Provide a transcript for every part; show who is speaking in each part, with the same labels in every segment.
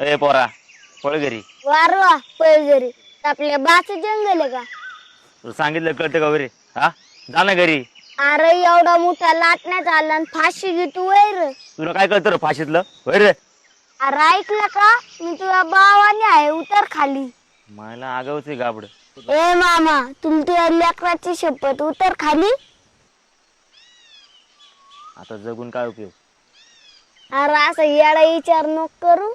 Speaker 1: ए पोरा पळ घरी.
Speaker 2: वारवा पैजरी आपल्या बाच जंगल आहे का?
Speaker 1: तुला सांगितलं कळतं का वरे? हा जा ना घरी.
Speaker 2: अरे एवढा मोठा लाटण्यात आला आणि फाशी घेतो वैर.
Speaker 1: तुला काय कळतं रे फाशीतलं वैर?
Speaker 2: अरे ऐकलं का? मी तुझ्या भावाने आहे उतर खाली.
Speaker 1: मला आगावच आहे गाबड.
Speaker 2: ए मामा तुमच्या लेकराची शपथ उतर खाली.
Speaker 1: आता जगून काय उपयोग?
Speaker 2: अरे असं येडा विचार नको करू.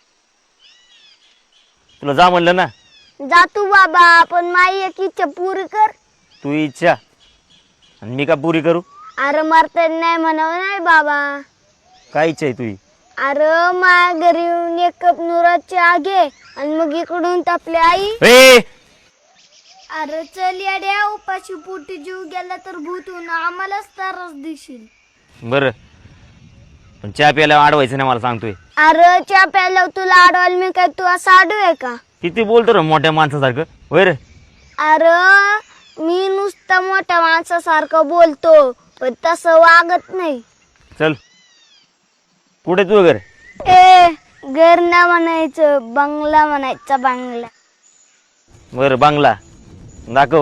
Speaker 1: तुला जा म्हणलं ना.
Speaker 2: जा तू बाबा पण माई एक इच्छा पुरी कर.
Speaker 1: तू इच्छा आणि मी का पुरी करू?
Speaker 2: अरे मरता नाही म्हणावं नाही बाबा.
Speaker 1: काय इच्छा आहे तुझी?
Speaker 2: अरे माझ्या घरी येऊन एक कप नुराची आगे आणि मग इकडून आपली आई.
Speaker 1: ए
Speaker 2: अरे चल येड्या उपाशी पोटी जीव गेला तर भूतून आम्हालाच त्रास देशील.
Speaker 1: बर पण चहा प्यायला अडवायचं नाही मला सांगतोय.
Speaker 2: अरे चहा प्यायला तुला अडवायला मी काय तू असं आडू आहे का?
Speaker 1: किती बोलतो रे मोठ्या माणसासारखं वैर?
Speaker 2: अरे मी नुसतं मोठ्या माणसासारखं बोलतो पण तसं वागत नाही.
Speaker 1: चल कुठे तू घर?
Speaker 2: ए घर ना म्हणायचं बंगला म्हणायचा बंगला.
Speaker 1: बर बांगला दाखव.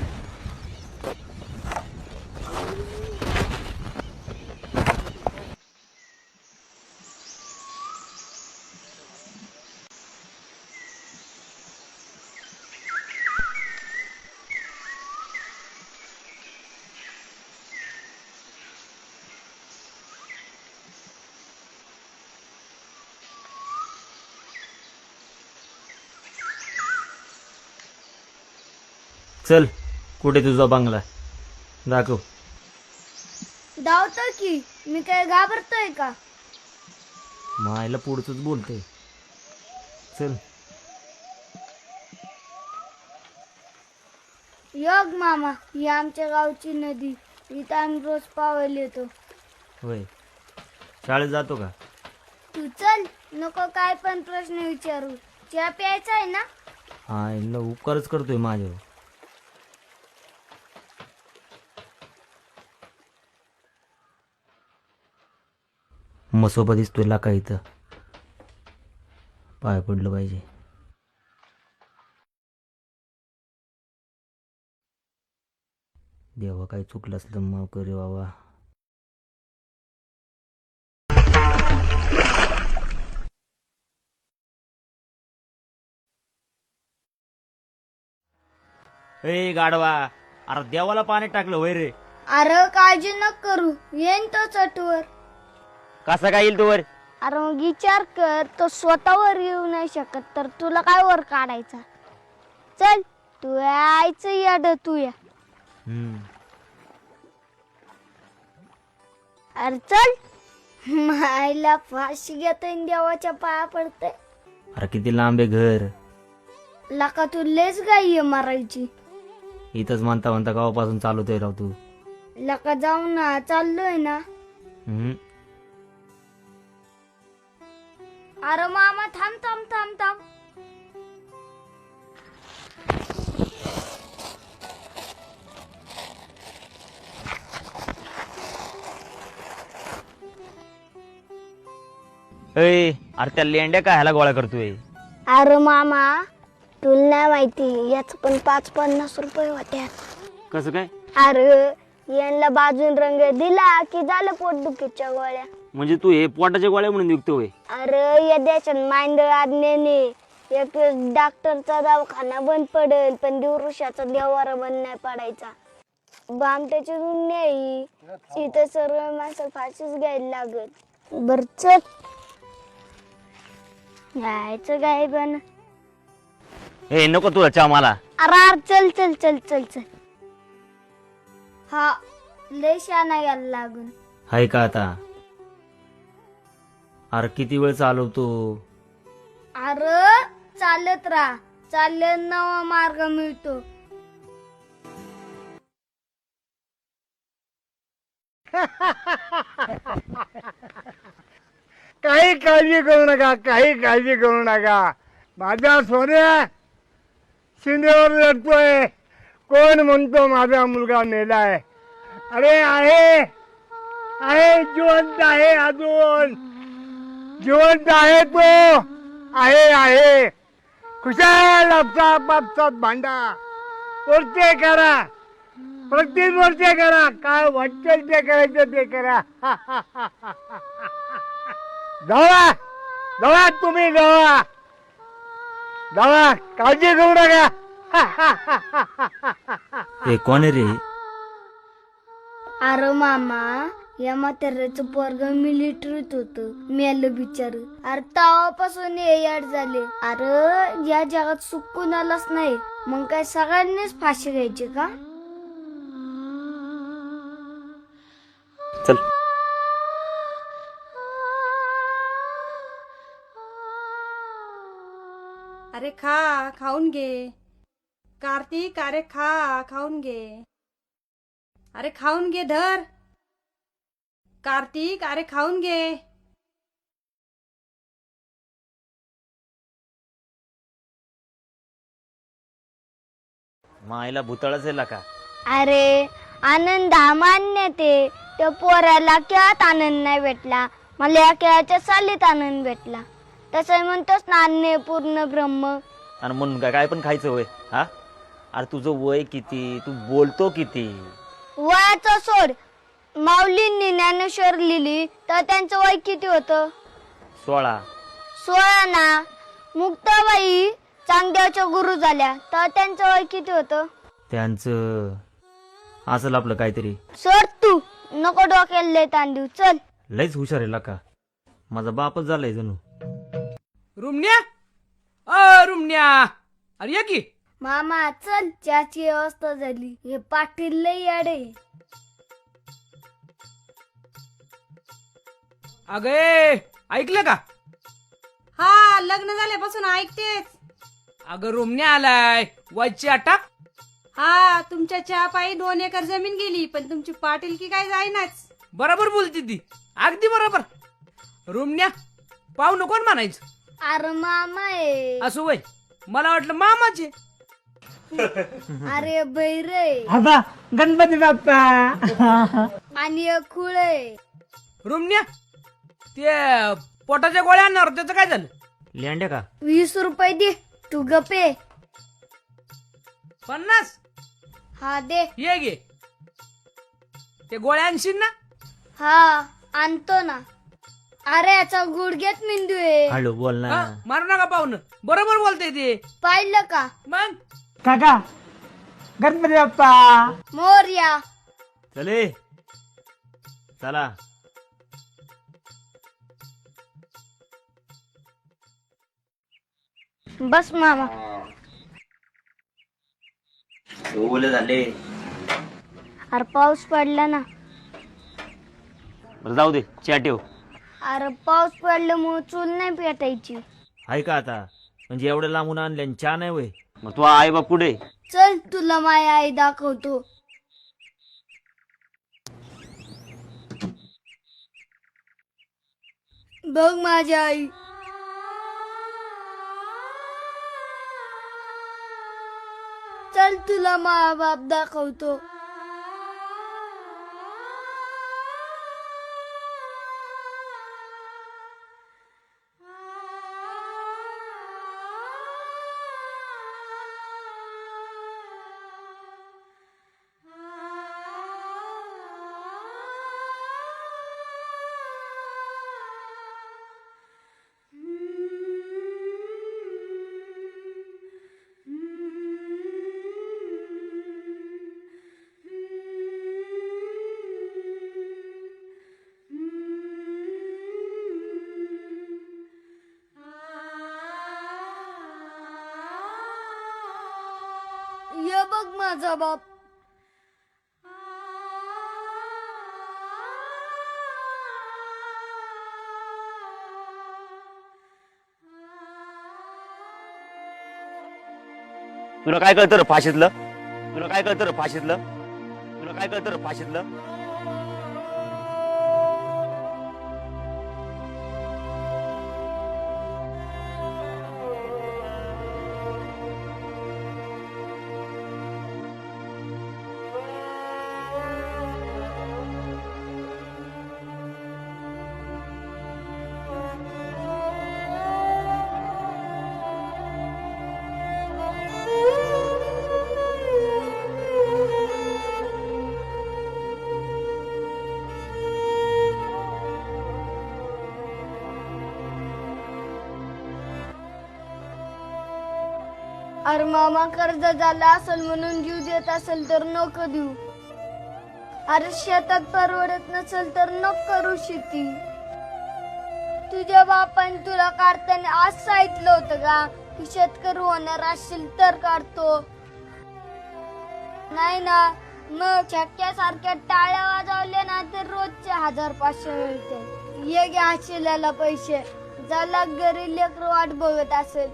Speaker 1: चल कुठे तुझा बंगला दाखव.
Speaker 2: धावतो की मी काय घाबरतोय का?
Speaker 1: मायला पुढचंच बोलतोय. चल
Speaker 2: योग मामा ही आमच्या गावची नदी. इथं आम्ही रोज पावायला येतो.
Speaker 1: होय शाळेत जातो का?
Speaker 2: तू चल नको काय पण प्रश्न विचारू. चहा प्यायचा आहे ना?
Speaker 1: हा इला उपकारच करतोय माझ्यावर. मसोबा दिसतोय लाका इथं. पाय पडलं पाहिजे. देवा काही चुकलं असलं माफ करे बाबा. ए गाडवा अरे देवाला पाणी टाकलं वय रे.
Speaker 2: अरे काळजी न करू येईन तो चटवर.
Speaker 1: कसा काय येईल तू वर?
Speaker 2: अरे मग विचार कर तो स्वतःवर येऊ नाही शकत तर तुला काय वर काढायचा. चल तू यायचं याड तू या. अरे चल मायला फाशी घेतोय देवाच्या पाया पडते.
Speaker 1: अरे किती लांब आहे घर.
Speaker 2: लका तू लेच गाई मारायची.
Speaker 1: इथंच म्हणता म्हणता गावापासून चालवतोय राव तू.
Speaker 2: लका जाऊ ना चाललोय ना. अरे मामा थांब थांब थांब थांब.
Speaker 1: अरे त्या लेंड्या काय ह्याला गोळा करतोय?
Speaker 2: अरे मामा तुला नाही माहिती याच पण 5-50 रुपये होत्या.
Speaker 1: कसं काय?
Speaker 2: अरे यांना बाजून रंग दिला की झालं पोटदुखीच्या गोळ्या.
Speaker 1: म्हणजे तू हे पोटाच्या गोळ्या म्हणून विकतोय?
Speaker 2: अरे या देशात मांडळ आज्ञेने एक डॉक्टरचा दवाखाना बंद पडेल पण दिवृषाचा देवारा बंद नाही पडायचा. बामट्याची दुनिया इथं सर्व माणसं फाशीच घ्यायला लागत. बर चल यायचं काय पण.
Speaker 1: ए नको तुला चहा मला.
Speaker 2: अरे चल चल चल चल चल. हा लय शाना यायला लागून.
Speaker 1: हाय का आता? अरे किती वेळ चालवतो?
Speaker 2: अरे चालत राहा चालत नवा मार्ग मिळतो.
Speaker 3: काही काळजी करू नका, काही काळजी करू नका. माझा सोन्या शिंदेवर लढतोय. कोण म्हणतो माझा मुलगा मेलाय? अरे आहे आहे जिवंत आहे, अजून जिवंत आहे तो. आहे खुशाल आपसात भांडा, वर्षे करा, प्रत्येक वर्षे करा, काय वाटेल ते करायचं ते करा. जावा जावा, तुम्ही जावा जावा, काळजी करू नका.
Speaker 1: हे कोण आहे रे?
Speaker 2: अरे मामा, या म्हाताऱ्याचं पोरग मिलिटरीत होत, मेलं बिचार. अरे तेव्हापासून हे याड झाले. अरे या जगात सुख कुणालाच नाही, मग काय सगळ्यांनीच फाशी घ्यायची का?
Speaker 1: चल.
Speaker 4: अरे खा, खाऊन घे. कार्तिक, अरे खा, खाऊन घे. अरे खाऊन घे, धर. कार्तिक, अरे खाऊन घे.
Speaker 1: मायला भूतळच आहे का?
Speaker 2: अरे आनंद हा मान्य ते, त्या पोराला खेळात आनंद नाही भेटला, मला या खेळाच्या सालीत आनंद भेटला. तसं म्हणतोस ना, अन्य पूर्ण ब्रह्म.
Speaker 1: आणि म्हणून काय पण खायचं वय? हा, अरे तुझं वय किती, तू बोलतो किती?
Speaker 2: वयाचं सोड. माऊलींनी ज्ञानेश्वर लिहिली तर त्यांचं वय किती होतं?
Speaker 1: 16.
Speaker 2: 16 ना. मुक्ताबाई चांगदेवच्या गुरु झाल्या तर त्यांचं वय किती होतं?
Speaker 1: त्यांचं असेल आपलं काहीतरी.
Speaker 2: सोड तू, नको डोक्याला लय ताण देऊ. चल.
Speaker 1: लयच हुशार आहे का? माझा बापच झालाय जणू.
Speaker 5: रुमण्या, रुमण्या, अरे ये की.
Speaker 2: मामा चल, चहाची व्यवस्था झाली. हे पाटील लय याडे.
Speaker 5: अगे ऐकलं का?
Speaker 4: हा, लग्न झाल्यापासून ऐकतेच.
Speaker 5: अगं रुमण्या आलाय, वजची अटक.
Speaker 4: हा, तुमच्या चहा पायी 2 एकर जमीन गेली, पण तुमची पाटीलकी काय जाईनाच.
Speaker 5: बरोबर बोलती ती, अगदी बरोबर. रुमण्या पाहू नको म्हणायचं.
Speaker 2: अरे मामा आहे.
Speaker 5: असं वय, मला वाटलं मामाचे.
Speaker 2: अरे बैरे
Speaker 3: आता गणपती बाप्पा.
Speaker 2: आणि एक खुळ आहे.
Speaker 5: रुमण्या, ते पोटाच्या गोळ्या आणणार त्याचं काय झालं?
Speaker 1: लेंड्या का?
Speaker 2: 20 रुपये दे, तू गपे.
Speaker 5: 50?
Speaker 2: हा दे.
Speaker 5: ये गे, ते गोळ्या आणशील ना?
Speaker 2: हा आणतो ना. अरे याचा गुडघ्यात मेंदू आहे.
Speaker 1: हळू बोल ना.
Speaker 5: हा, मारू नका पाहुणं, बरोबर बोलतय ते.
Speaker 2: पाहिलं का?
Speaker 5: मग
Speaker 3: काका गणपती बाप्पा.
Speaker 2: मोरया.
Speaker 1: चले चला.
Speaker 2: बस मामा.
Speaker 1: ओले झाले.
Speaker 2: अरे पाऊस पडला ना.
Speaker 1: बरं जाऊ दे, चहा ठेव.
Speaker 2: अरे पाऊस पडल्यामुळे चूल नाही पेटायची.
Speaker 1: आहे का आता? म्हणजे एवढं लांबून आणले चहा नाही वय? मग तू आई बाप कुठे?
Speaker 2: चल तुला माझी आई दाखवतो. बघ माझी आई. चल तुला मा बाप दाखवतो. ये बघ माझा बाप.
Speaker 1: तुला काय कळतं रे फाशीतलं? तुला काय कळतं रे फाशीतलं? तुला काय कळतं रे फाशीतलं?
Speaker 2: अरे मामा कर्ज झाला असेल म्हणून जीव देत असेल तर नको देऊ. अरे शेतात परवडत नसेल तर नको करू शेती. तुझ्या बापाने तुला काढताना आज सांगितलं होतं का की शेतकरी होणार असेल तर काढतो, नाही ना? मग छक्क्यासारख्या टाळ्या वाजवल्या ना तर रोजचे 1500 मिळते. ये घ्या शिल्याला पैसे, ज्याला घरी लेकरं वाट बघत असेल.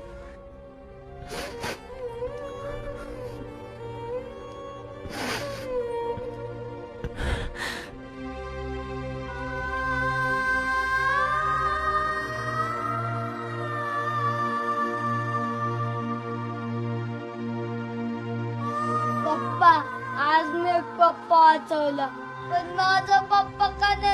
Speaker 2: पप्पा, आज मी पप्पा वाचवला, पण माझा पप्पा का नाही